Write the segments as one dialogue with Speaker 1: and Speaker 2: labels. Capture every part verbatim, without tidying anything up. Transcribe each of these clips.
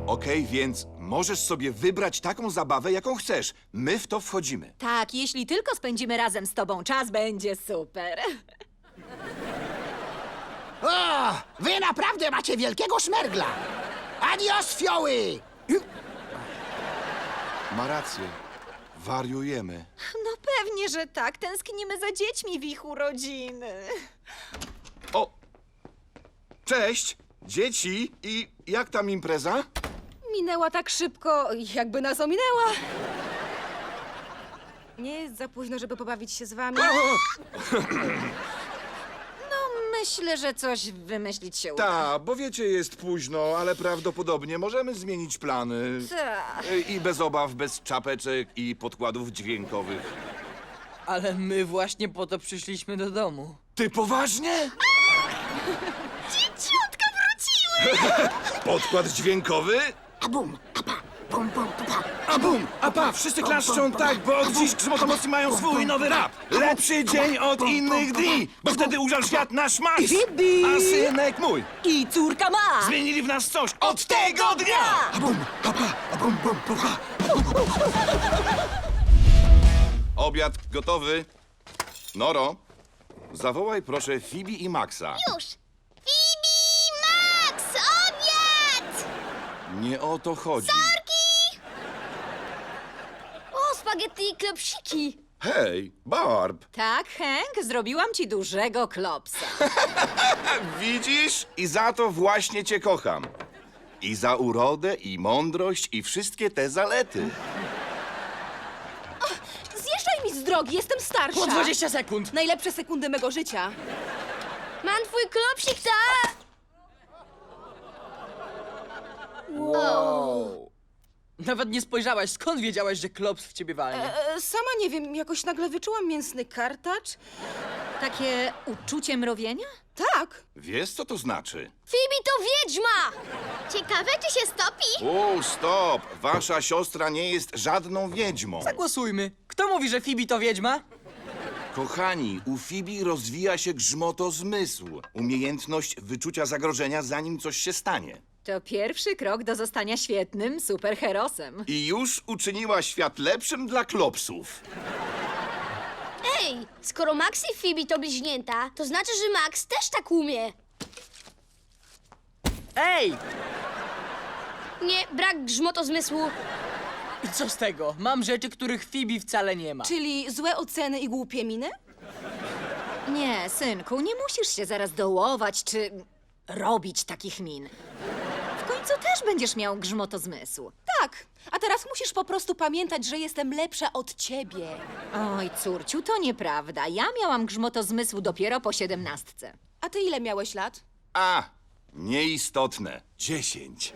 Speaker 1: Okej, więc możesz sobie wybrać taką zabawę, jaką chcesz. My w to wchodzimy.
Speaker 2: Tak, jeśli tylko spędzimy razem z tobą czas, będzie super.
Speaker 3: O, wy naprawdę macie wielkiego szmergla! Adios, fioły!
Speaker 1: Ma rację. Wariujemy.
Speaker 2: No pewnie, że tak. Tęsknimy za dziećmi w ich urodziny.
Speaker 1: O! Cześć! Dzieci! I jak tam impreza?
Speaker 4: Minęła tak szybko, jakby nas ominęła. Nie jest za późno, żeby pobawić się z wami.
Speaker 2: No, myślę, że coś wymyślić się uda.
Speaker 1: Ta, bo wiecie, jest późno, ale prawdopodobnie możemy zmienić plany.
Speaker 2: Ta.
Speaker 1: Y, I bez obaw, bez czapeczek i podkładów dźwiękowych.
Speaker 5: Ale my właśnie po to przyszliśmy do domu.
Speaker 1: Ty poważnie?
Speaker 2: Dzieciątka wróciły!
Speaker 1: Podkład dźwiękowy?
Speaker 3: A bum, a pa, bum, bum, pa, pa.
Speaker 1: A bum! A pa! Wszyscy klaszczą tak, bo od dziś Grzmotomocni mają swój nowy rap. Lepszy dzień od innych dni, bo wtedy ujrzał świat nasz Max, a synek mój.
Speaker 2: I córka ma!
Speaker 1: Zmienili w nas coś od tego dnia!
Speaker 3: A bum, a pa, a bum, bum, pa, pa.
Speaker 1: Obiad gotowy. Noro, zawołaj proszę Phoebe i Maxa.
Speaker 6: Już! Fibi! Max! Obiad!
Speaker 1: Nie o to chodzi.
Speaker 6: O, spaghetti i klopsiki!
Speaker 1: Hej, Barb,
Speaker 2: Tak, Hank, zrobiłam ci dużego klopsa.
Speaker 1: widzisz? I za to właśnie cię kocham. I za urodę, i mądrość, i wszystkie te zalety.
Speaker 4: Zjeżdżaj mi z drogi, jestem starsza.
Speaker 5: Po dwadzieścia sekund!
Speaker 4: Najlepsze sekundy mego życia.
Speaker 6: Mam twój klopsik, ta!
Speaker 5: Nawet nie spojrzałaś, skąd wiedziałaś, że klops w ciebie walnie?
Speaker 4: E, sama nie wiem, jakoś nagle wyczułam mięsny kartacz.
Speaker 2: Takie uczucie mrowienia?
Speaker 4: Tak.
Speaker 1: Wiesz, co to znaczy?
Speaker 6: Fibi to wiedźma! Ciekawe, czy się stopi?
Speaker 1: O, stop! Wasza siostra nie jest żadną wiedźmą.
Speaker 5: Zagłosujmy. Kto mówi, że Fibi to wiedźma?
Speaker 1: Kochani, u Fibi rozwija się grzmotozmysł. Umiejętność wyczucia zagrożenia, zanim coś się stanie.
Speaker 2: To pierwszy krok do zostania świetnym superherosem.
Speaker 1: I już uczyniła świat lepszym dla klopsów.
Speaker 6: Ej, skoro Max i Fibi to bliźnięta, to znaczy, że Max też tak umie.
Speaker 5: Ej!
Speaker 6: Nie, brak grzmotozmysłu.
Speaker 5: I co z tego? Mam rzeczy, których Fibi wcale nie ma.
Speaker 4: Czyli złe oceny i głupie miny?
Speaker 2: Nie, synku, nie musisz się zaraz dołować czy robić takich min. W końcu też będziesz miał grzmotozmysł.
Speaker 4: Tak. A teraz musisz po prostu pamiętać, że jestem lepsza od ciebie.
Speaker 2: Oj, córciu, to nieprawda. Ja miałam grzmotozmysł dopiero po siedemnastce.
Speaker 4: A ty ile miałeś lat?
Speaker 1: A, nieistotne. Dziesięć.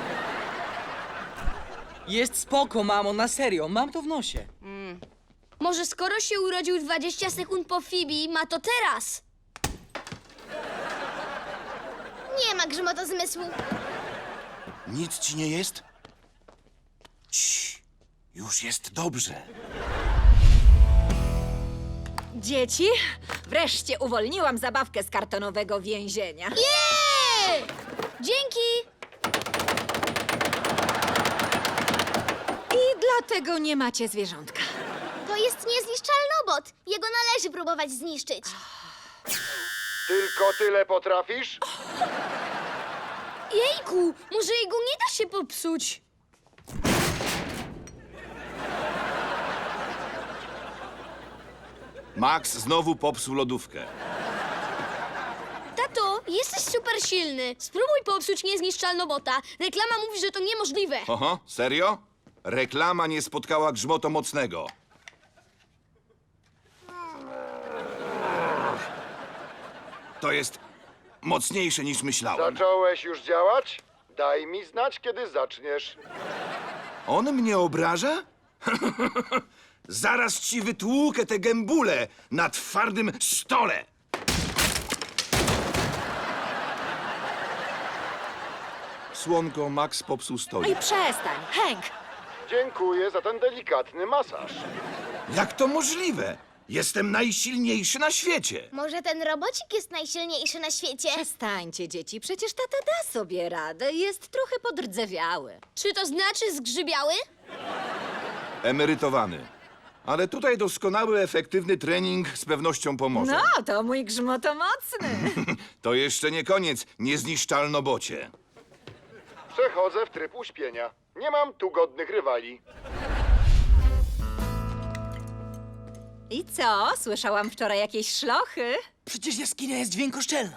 Speaker 5: Jest spoko, mamo, na serio, mam to w nosie.
Speaker 6: Może skoro się urodził dwadzieścia sekund po Fibi, ma to teraz. Nie ma grzmotozmysłu.
Speaker 1: Nic ci nie jest? Cii, już jest dobrze.
Speaker 2: Dzieci, wreszcie uwolniłam zabawkę z kartonowego więzienia.
Speaker 6: Jej! Dzięki!
Speaker 2: I dlatego nie macie zwierzątka.
Speaker 6: To jest niezniszczalny obot. Jego należy próbować zniszczyć.
Speaker 1: Tylko tyle potrafisz?
Speaker 6: Jejku, może jego nie da się popsuć.
Speaker 1: Max znowu popsuł lodówkę.
Speaker 6: Tato, jesteś super silny. Spróbuj popsuć niezniszczalnobota. Reklama mówi, że to niemożliwe.
Speaker 1: Oho, serio? Reklama nie spotkała grzmoto mocnego. To jest mocniejsze niż myślałem.
Speaker 7: Zacząłeś już działać? Daj mi znać, kiedy zaczniesz.
Speaker 1: On mnie obraża? Zaraz ci wytłukę te gębule na twardym stole. Słonko, Max popsuł stolik.
Speaker 2: Oj, przestań, Hank!
Speaker 7: Dziękuję za ten delikatny masaż.
Speaker 1: Jak to możliwe? Jestem najsilniejszy na świecie.
Speaker 8: Może ten robocik jest najsilniejszy na świecie?
Speaker 2: Przestańcie, dzieci, przecież tata da sobie radę. Jest trochę podrdzewiały.
Speaker 6: Czy to znaczy zgrzybiały?
Speaker 1: Emerytowany. Ale tutaj doskonały, efektywny trening z pewnością pomoże.
Speaker 2: No, to mój grzmotomocny.
Speaker 1: To jeszcze nie koniec, niezniszczalnobocie.
Speaker 7: Przechodzę w tryb uśpienia. Nie mam tu godnych rywali.
Speaker 2: I co? Słyszałam wczoraj jakieś szlochy?
Speaker 5: Przecież jaskinia jest dźwiękoszczelna.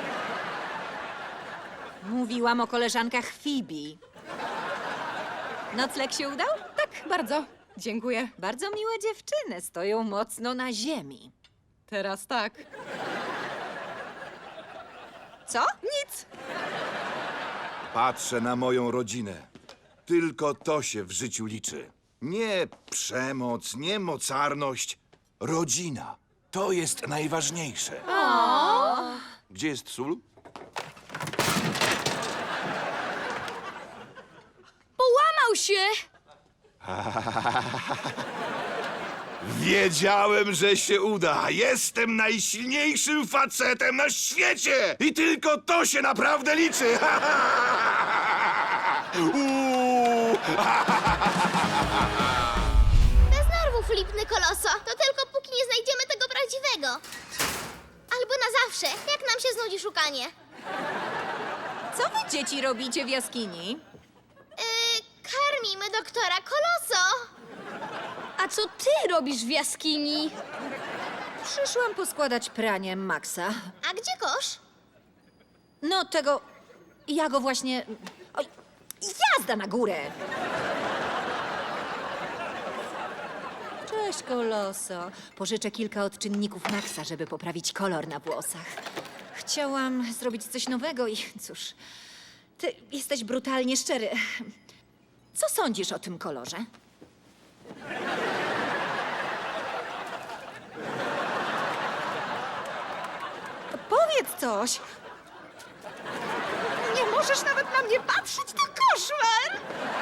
Speaker 2: Mówiłam o koleżankach Phoebe. Nocleg się udał?
Speaker 4: Tak, bardzo. Dziękuję.
Speaker 2: Bardzo miłe dziewczyny, stoją mocno na ziemi.
Speaker 4: Teraz tak.
Speaker 2: Co?
Speaker 4: Nic.
Speaker 1: Patrzę na moją rodzinę. Tylko to się w życiu liczy. Nie przemoc, nie mocarność. Rodzina. To jest najważniejsze. Gdzie jest sól?
Speaker 6: Połamał się!
Speaker 1: Wiedziałem, że się uda. Jestem najsilniejszym facetem na świecie. I tylko to się naprawdę liczy. Uuu.
Speaker 8: Bez nerwów, lipny koloso. To tylko póki nie znajdziemy tego prawdziwego. Albo na zawsze, jak nam się znudzi szukanie.
Speaker 2: Co wy, dzieci, robicie w jaskini?
Speaker 8: Yy, karmimy doktora Koloso.
Speaker 6: A co ty robisz w jaskini?
Speaker 2: Przyszłam poskładać pranie Maxa.
Speaker 8: A gdzie kosz?
Speaker 2: No tego... Ja go właśnie... Oj, jazda na górę! Cześć, Koloso. Pożyczę kilka odczynników Maxa, żeby poprawić kolor na włosach. Chciałam zrobić coś nowego i cóż... Ty jesteś brutalnie szczery. Co sądzisz o tym kolorze? Powiedz coś. Nie możesz nawet na mnie patrzeć, to koszmar!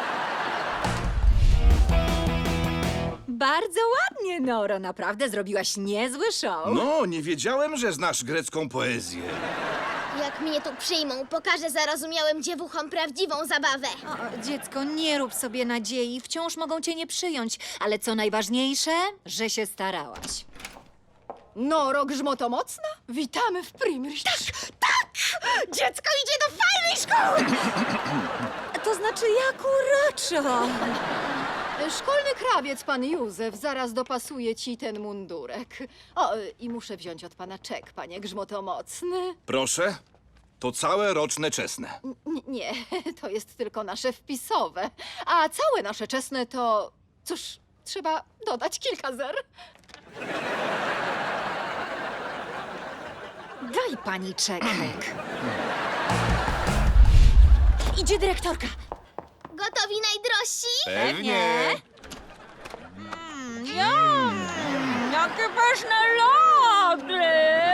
Speaker 2: Bardzo ładnie, Noro. Naprawdę zrobiłaś niezły show.
Speaker 1: No, nie wiedziałem, że znasz grecką poezję.
Speaker 8: Jak mnie tu przyjmą, pokażę zarozumiałym dziewuchom prawdziwą zabawę.
Speaker 2: O, dziecko, nie rób sobie nadziei. Wciąż mogą cię nie przyjąć. Ale co najważniejsze, że się starałaś.
Speaker 4: Noro grzmotomocna? Witamy w Primrich. Tak, tak! Dziecko idzie do fajnej szkoły!
Speaker 2: To znaczy, jak uroczo.
Speaker 9: Szkolny krawiec, pan Józef, zaraz dopasuje ci ten mundurek. O, i muszę wziąć od pana czek, panie grzmotomocny.
Speaker 1: Proszę, to całe roczne czesne.
Speaker 9: N- nie, to jest tylko nasze wpisowe. A całe nasze czesne to... Cóż, trzeba dodać kilka zer.
Speaker 2: Daj pani czekek. Idzie dyrektorka.
Speaker 8: Gotowi najdrożsi?
Speaker 1: Pewnie.
Speaker 2: Jakie pyszne lody!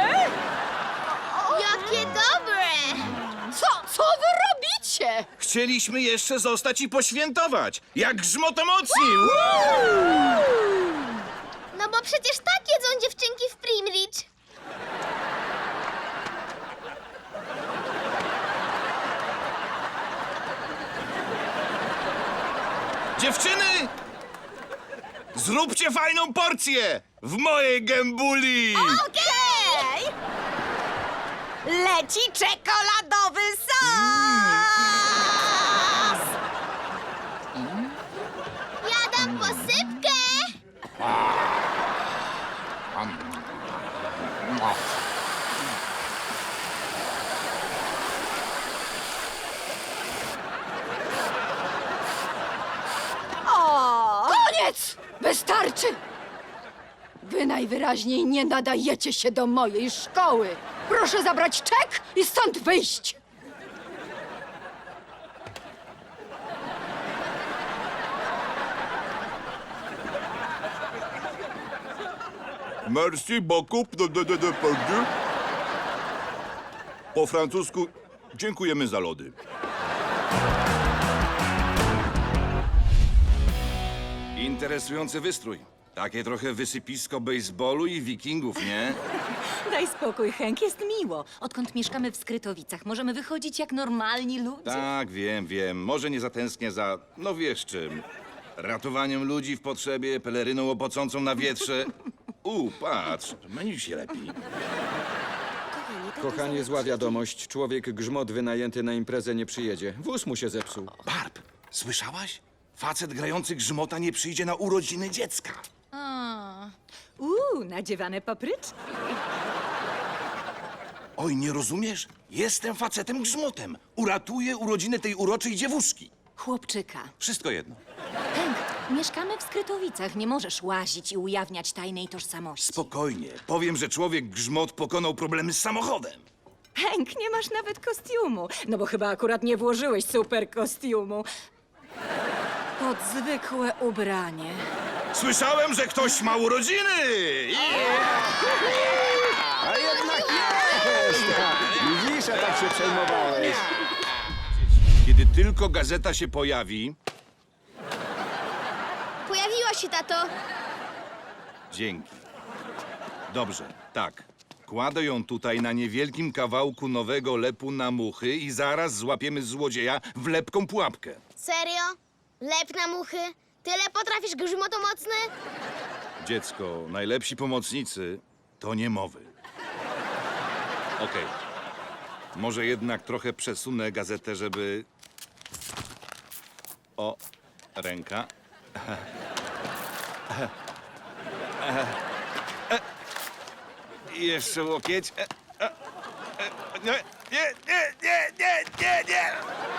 Speaker 8: Jakie dobre!
Speaker 9: Co, co wy robicie?
Speaker 1: Chcieliśmy jeszcze zostać i poświętować. Jak grzmotomocni.
Speaker 8: No bo przecież tak jedzą dziewczynki w Primrich.
Speaker 1: Dziewczyny! Zróbcie fajną porcję w mojej gębuli!
Speaker 2: Okej! Leci czekoladowy sos!
Speaker 8: Ja dam posypkę!
Speaker 2: O!
Speaker 9: Koniec! Wystarczy! Wy najwyraźniej nie nadajecie się do mojej szkoły. Proszę zabrać czek i stąd wyjść.
Speaker 1: Merci beaucoup. de- de- de- de- de- Po francusku dziękujemy za lody. Interesujący wystrój. Takie trochę wysypisko baseballu i wikingów, nie?
Speaker 2: Daj spokój, Hank, jest miło. Odkąd mieszkamy w Skrytowicach, możemy wychodzić jak normalni ludzie.
Speaker 1: Tak, wiem, wiem. Może nie zatęsknię za, no wiesz czym. Ratowaniem ludzi w potrzebie, peleryną opocącą na wietrze. U, patrz, myli się lepiej.
Speaker 10: Kochanie, zła wiadomość. Człowiek grzmot wynajęty na imprezę nie przyjedzie. Wóz mu się zepsuł.
Speaker 1: Barb, słyszałaś? Facet grający grzmota nie przyjdzie na urodziny dziecka.
Speaker 2: A, uuu, nadziewane papryczki.
Speaker 1: Oj, nie rozumiesz? Jestem facetem grzmotem. Uratuję urodziny tej uroczej dziewuszki.
Speaker 2: Chłopczyka.
Speaker 1: Wszystko jedno.
Speaker 2: Hank, mieszkamy w Skrytowicach. Nie możesz łazić i ujawniać tajnej tożsamości.
Speaker 1: Spokojnie. Powiem, że człowiek grzmot pokonał problemy z samochodem.
Speaker 2: Hank, nie masz nawet kostiumu. No bo chyba akurat nie włożyłeś super kostiumu. Pod zwykłe ubranie.
Speaker 1: Słyszałem, że ktoś ma urodziny!
Speaker 10: A jednak jest! Widzisz, a tak się przejmowałeś.
Speaker 1: Kiedy tylko gazeta się pojawi...
Speaker 8: Pojawiła się, tato.
Speaker 1: Dzięki. Dobrze, tak. Kładę ją tutaj na niewielkim kawałku nowego lepu na muchy i zaraz złapiemy złodzieja w lepką pułapkę.
Speaker 8: Serio? Lep na muchy? Tyle potrafisz, grzmotomocny?
Speaker 1: Dziecko, najlepsi pomocnicy to niemowy. Okej. Może jednak trochę przesunę gazetę, żeby... O, ręka. I jeszcze łokieć. Nie, nie, nie, nie, nie, nie, nie.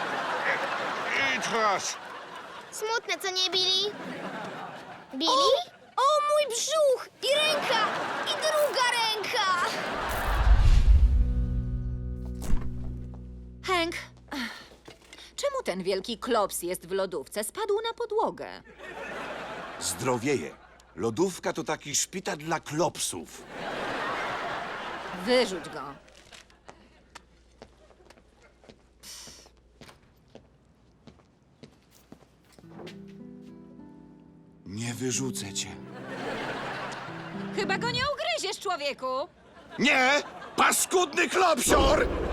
Speaker 1: I teraz.
Speaker 8: Smutne, co nie, Billy? Billy? O, mój brzuch! I ręka! I druga ręka!
Speaker 2: Hank, ach, czemu ten wielki klops jest w lodówce? Spadł na podłogę.
Speaker 1: Zdrowieje. Lodówka to taki szpital dla klopsów.
Speaker 2: Wyrzuć go.
Speaker 1: Nie wyrzucę cię.
Speaker 2: Chyba go nie ugryziesz, człowieku.
Speaker 1: Nie! Paskudny klopsior!